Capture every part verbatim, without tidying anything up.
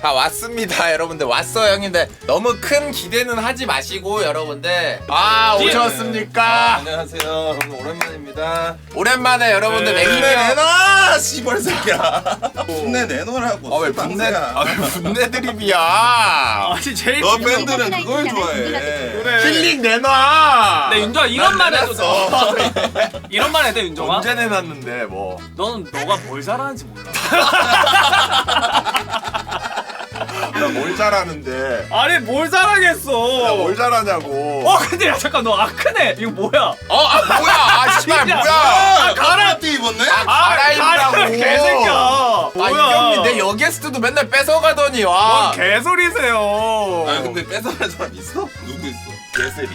다 왔습니다 여러분들. 왔어 형님들. 너무 큰 기대는 하지 마시고 여러분들. 아 오셨습니까? 아, 안녕하세요. 오늘 오랜만입니다. 오랜만에 여러분들 네. 맥힘 분내 형. 내놔 씨발 새끼야. 분내 내놓으라고. 아왜 분내 아왜 분내 드립이야. 아니 제일 너 중요한 밴드는 그걸 좋아해. 그래. 힐링 내놔. 네 윤정아 이런만 난 해도 돼. 이런만 해도 돼 윤정아. 언제 내놨는데 뭐. 너는 너가 뭘 잘하는지 몰라. 나 뭘 잘하는데. 아니 뭘 잘하겠어. 나 뭘 잘하냐고. 어 근데 야 잠깐 너 아크네 이거 뭐야? 어, 아 뭐야? 아 씨발 진짜. 뭐야? 아, 가라. 가라띠 입었네? 아, 갈아입으라고. 가라, 개새끼야. 아 뭐야? 이경민 내 여게스트도 맨날 뺏어가더니 뭔 와. 개소리세요. 아 근데 뺏어갈 사람 있어? 누구 있어? 예슬이.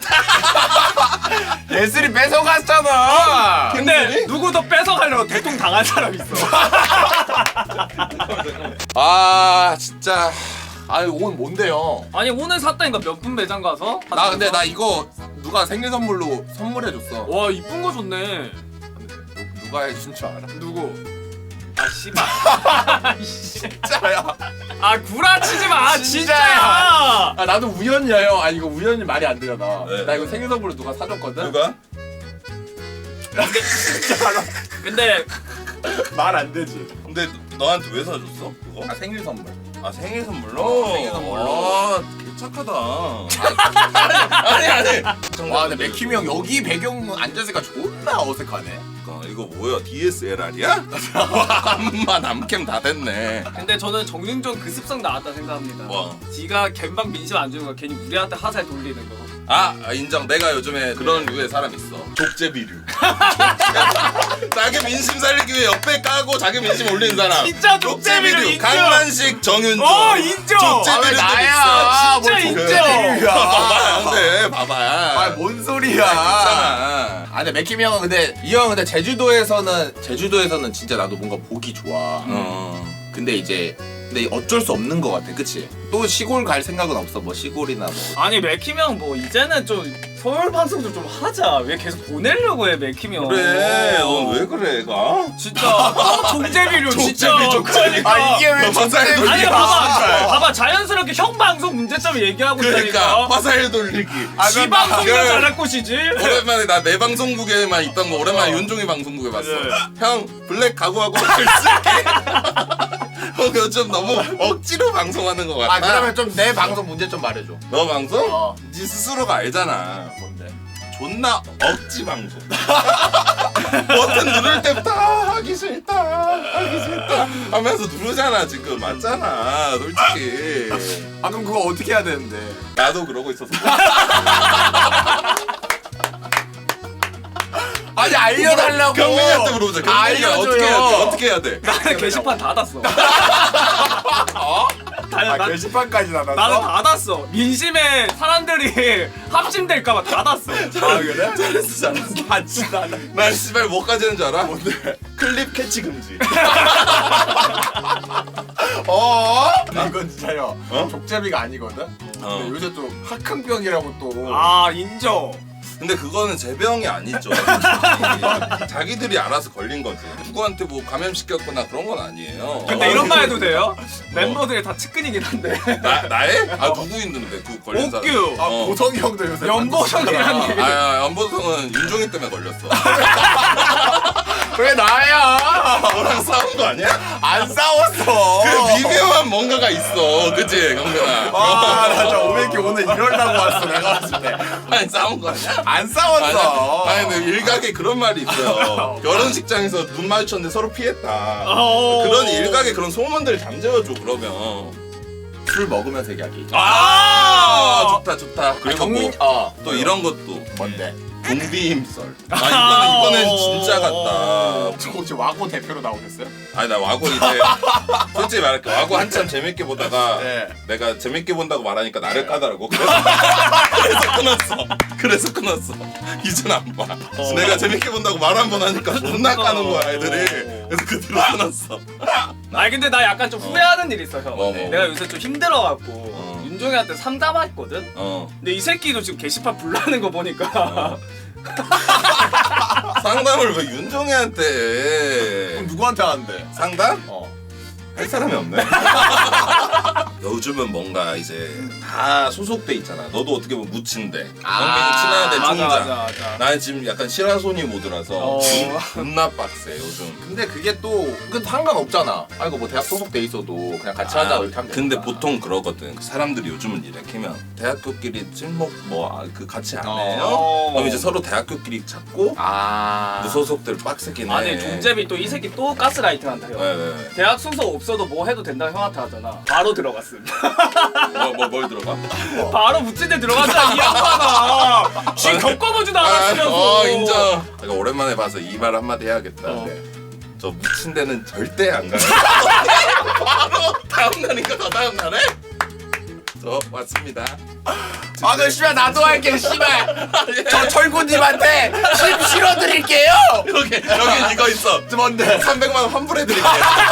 예슬이 뺏어갔잖아. 근데 누구도 뺏어가려고 대통 당한 사람 있어. 아 진짜. 아니 오늘 뭔데요? 아니 오늘 샀다니까 몇 분 매장 가서? 나 근데 나 이거 누가 생일 선물로 선물해줬어. 와 이쁜 거 좋네. 누- 누가 해준 줄 알아? 누구? 아 씨발. 진짜야. 아 구라치지 마. 진짜야. 진짜야. 아 나도 우연이야 형. 아 이거 우연히 말이 안 되잖아. 네. 나 이거 생일 선물로 누가 사줬거든. 누가? 근데 말 안 되지. 근데 너한테 왜 사줬어? 그거? 아 생일 선물. 아 생일 선물로? 어, 생일 선물로. 아, 개착하다. 아니 아니. 와 근데 맥힘이 형 여기 배경 앉아있으니까 존나 어색하네. 어, 이거 뭐야? 디에스엘알이야? 암만 남캠 다 됐네. 근데 저는 정윤종 그 습성 나왔다 생각합니다. 뭐? 지가 갬방 민심 안 주는 거 괜히 우리한테 화살 돌리는 거. 아 인정. 내가 요즘에 그런 류의 사람 있어. 족제비류. 자기 민심 살리기 위해 옆에 까고 자기 민심 올리는 사람. 진짜 족제비류 인정. 강만식 정윤종. 어 인정. 아 왜 족제비류도 나야? 진짜 뭘 인정. 족제비야? 봐봐 근데 봐봐. 아뭔 소리야? 괜찮아. 아 근데 맥힘이 형은 근데 이 형은 근데 제주도에서는 제주도에서는 진짜 나도 뭔가 보기 좋아. 어. 근데 이제 근데 어쩔 수 없는 것 같아, 그치? 또 시골 갈 생각은 없어, 뭐 시골이나 뭐. 아니 맥힘 형뭐 이제는 좀 서울 방송도 좀 하자. 왜 계속 보내려고 해 맥힘 형. 그래. 넌 왜 그래 얘가? 진짜 종제비료 진짜. 족제비, 족제비. 그러니까. 아 이게 왜 너 화살 족제비야? 아니 돌리기. 봐봐 봐봐 자연스럽게 형 방송 문제점 얘기하고 그러니까 있다니까. 화살 돌리기. 아, 지 그럼 방송이나 나- 잘할 곳이지. 오랜만에 나 내 방송국에만 있던 거 오랜만에 어. 윤종이 방송국에 봤어. 네. 형 블랙 각오하고 글쓸게. 형 요즘 너무 억지로 방송하는 것 같아. 아 그러면 좀 내 방송 문제 좀 말해줘. 너 방송? 어. 네 스스로가 알잖아. 뭔데? 존나 억지 방송. 버튼 누를 때부터 아, 하기 싫다, 하기 싫다 하면서 누르잖아 지금. 맞잖아, 솔직히. 아 그럼 그거 어떻게 해야 되는데? 나도 그러고 있었어. 아니 알려달라고. 경민이한테 물어보자. 경민이가 알려줘요. 어떻게 해야 돼? 어떻게 해야 돼? 나는 게시판 닫았어. 어? 다, 아 나, 게시판까지 나갔어? 나는 닫았어. 민심에 사람들이 합심될까봐 닫았어. 아 그래? 잘했어, 잘했어. 아 진짜 나- 난 씨발 뭐까지 하는 줄 알아? 뭔데? 클립 캐치 금지. 어? 이건 진짜요. 어? 족제비가 아니거든. 어. 근데 요새 또 학흥병이라고 또. 아 인정. 근데 그거는 제 병이 아니죠. 자기들이 알아서 걸린 거지. 누구한테 뭐 감염시켰거나 그런 건 아니에요. 근데 이런 말 해도 돼요? 멤버들이 다 측근이긴 한데. 나, 나의? 아 누구 있는데 그 걸린 사람? 옥규. 아 어. 보성이 형도 요새 연보성이라는 만났잖아. 얘기. 아, 연보성은 윤종이 때문에 걸렸어. 왜 나야? 너랑 싸운 거 아니야? 안 싸웠어. 그 미묘한 뭔가가 있어, 그치 경민아? 아나 진짜 오백기 오늘 이러려고 왔어 내가 봤을 때. 아니 싸운 거 아니야? 안 싸웠어. 아니, 아니 근데 일각에 그런 말이 있어요. 결혼식장에서 눈 마주쳤는데 서로 피했다. 어. 그런 일각에 그런 소문들 잠재워줘 그러면. 술 먹으면서 얘기하기. 아, 좋다 좋다. 아, 그리고 경민 뭐, 어 또 이런 것도 뭔데? 동비 힘썰. 아 이거는 이거는 진짜 같다. 저 혹시 와고 대표로 나오셨어요? 아니 나 와고 이제 솔직히 말할게. 와고 한참 재밌게 보다가 네. 내가 재밌게 본다고 말하니까 나를 까더라고. 그래서, 그래서 끊었어. 그래서 끊었어. 이젠 안 봐. 내가 재밌게 본다고 말 한 번 하니까 존나 까는 거야 애들이. 그래서 그 뒤로 끊었어. 아니 근데 나 약간 좀 후회하는 일이 있어 형. 뭐, 뭐. 내가 요새 좀 힘들어갖고 어. 윤종이한테 상담했거든. 어. 근데 이 새끼도 지금 게시판 불나는 거 보니까 어. 상담을 왜 윤종이한테 해? 그럼 누구한테 하는데? 상담? 어. 할 사람이 없네. 요즘은 뭔가 이제 다 소속돼 있잖아. 너도 어떻게 보면 무친데, 아, 영민이 친한데 맞아 총장. 맞아 맞아. 나는 지금 약간 시라소니 모드라서 어. 존나 빡세 요즘. 근데 그게 또 그 상관없잖아. 아 이거 뭐 대학 소속돼 있어도 그냥 같이 하자 이렇게 하면 근데 되니까. 보통 그러거든. 사람들이 요즘은 이렇게 하면 대학교끼리 친목 뭐 그 같이 안 해요. 어. 그럼 이제 서로 대학교끼리 찾고 아 무소속들 빡세긴 해. 아니 종재비 또 이 새끼 또 가스라이팅 한다 형. 네, 네. 대학 순서 없어도 뭐 해도 된다고 형한테 하잖아. 바로 들어갔음. 뭐뭘 들어가? 바로 묻힌 데 들어갔잖아 이 양반아. 쥐 겪어보지도 않았으면서. 어 인정. 내가 오랜만에 봐서 이 말 한마디 해야겠다. 어. 네. 저 묻힌 데는 절대 안 가요. 바로 다음 날인가 더 다음 날에 저 왔습니다. 아, 그 씨발 나도 할게 씨발. 저 철구님한테 심 실어드릴게요. 여기 여기 이거 있어. 뭔데? 삼백만 원 환불해드릴게요.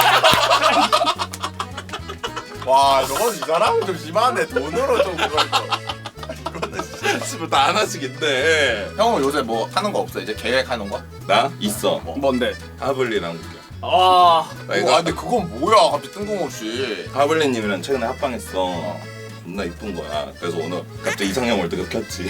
와, 저건 이 사람은 좀 심한데 돈으로 좀 그걸 또. 집을 다 하나씩 있대. 형은 요새 뭐 하는 거 없어? 이제 계획하는 거? 나 있어. 뭔데? 하블리랑 웃겨. 아 나 아 이거 근데 그건 뭐야 갑자기 뜬금없이. 하블리님이랑 최근에 합방했어. 존나 이쁜 거야. 그래서 오늘 갑자기 이상형 월드컵 켰지.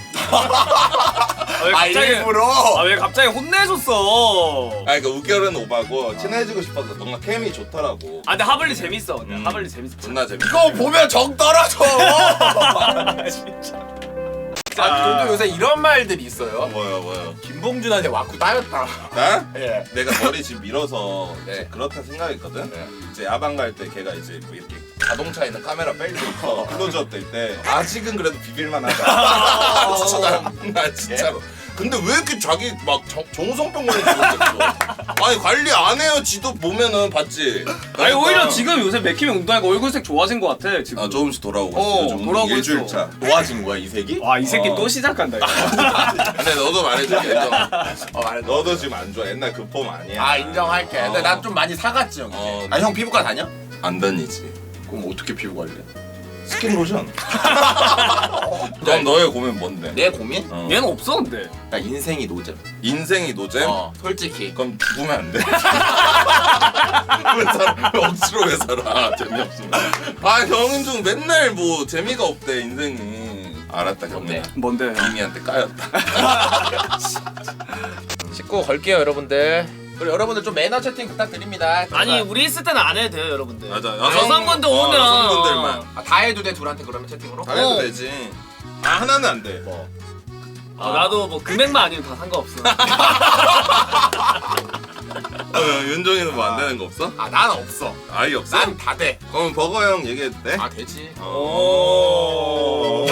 왜 아 갑자기 일부러? 아 왜 갑자기 혼내줬어? 아 그러니까 우결은 오바고 친해지고 싶어서 뭔가 케미 좋더라고. 아 근데 하블리 재밌어. 근데 음. 하블리 재밌어. 존나 재밌어. 이거 보면 정 떨어져. 진짜. 아 저도 요새 이런 말들이 있어요. 뭐야 뭐야. 김봉준한테 와꾸 따였다. 나? 예. 내가 머리 지금 밀어서 네. 이제 그렇다 생각했거든. 네. 이제 야방 갈 때 걔가 이제 뭐 이렇게 자동차에 있는 카메라 뺄 때 있어. 클로즈업 될 때 아직은 그래도 비빌만 하다. 진짜 나, 나 진짜로. 근데 왜 이렇게 자기 막 정- 정성병원에 들어갔어? 아니 관리 안 해요. 지도 보면은 봤지. 아니 그러니까 오히려 지금 요새 맥힘이 운동하니까 얼굴색 좋아진 것 같아 지금. 아 조금씩 돌아오고 어, 있어. 요즘 돌아오고 일주일 있어. 차. 도와진 거야 이 색이? 와 이 새끼 어. 또 시작한다 이거. 근데 너도 말해줄게. 인정. 어 말해. 너도 지금 안 좋아. 옛날 그 폼 아니야. 아 인정할게. 근데 어. 난 좀 많이 사갔지 형. 어. 아 형 피부과 다녀? 안 다니지. 그럼 어떻게 피부 관리해? 스킨 로션. 그럼 너의 고민 뭔데? 내 고민? 어. 얘는 없어 근데. 나 인생이 노잼. 인생이 노잼? 어 솔직히. 그럼 죽으면 안 돼. 왜 살아? 왜 억지로 왜 살아? 재미없으면. 아 경은중 맨날 뭐 재미가 없대 인생이. 알았다 경민아. 뭔데? 이미한테 까였다. 씻고 걸게요 여러분들. 그리고 여러분들 좀 매너 채팅 부탁드립니다. 아니 우리 있을 때는 안 해도 돼요 여러분들. 맞아. 여성분들 어, 오면 여성분들만. 아, 다 해도 돼 둘한테 그러면 채팅으로? 다 해도 어. 되지. 아 하나는 안 돼. 뭐? 아, 나도 뭐 금액만 아니면 다 상관없어. 어, 윤종이는 뭐 안 되는 거 없어? 아 난 없어. 아예 없어? 난 다 돼. 그럼 버거 형 얘기해도 돼? 아 되지. 오.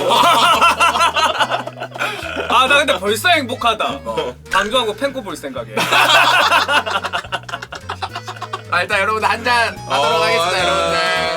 아 나 근데 벌써 행복하다. 어. 방송하고 팬코 볼 생각에. 아 일단 여러분들 한잔 하도록 어, 하겠습니다 한잔. 여러분들.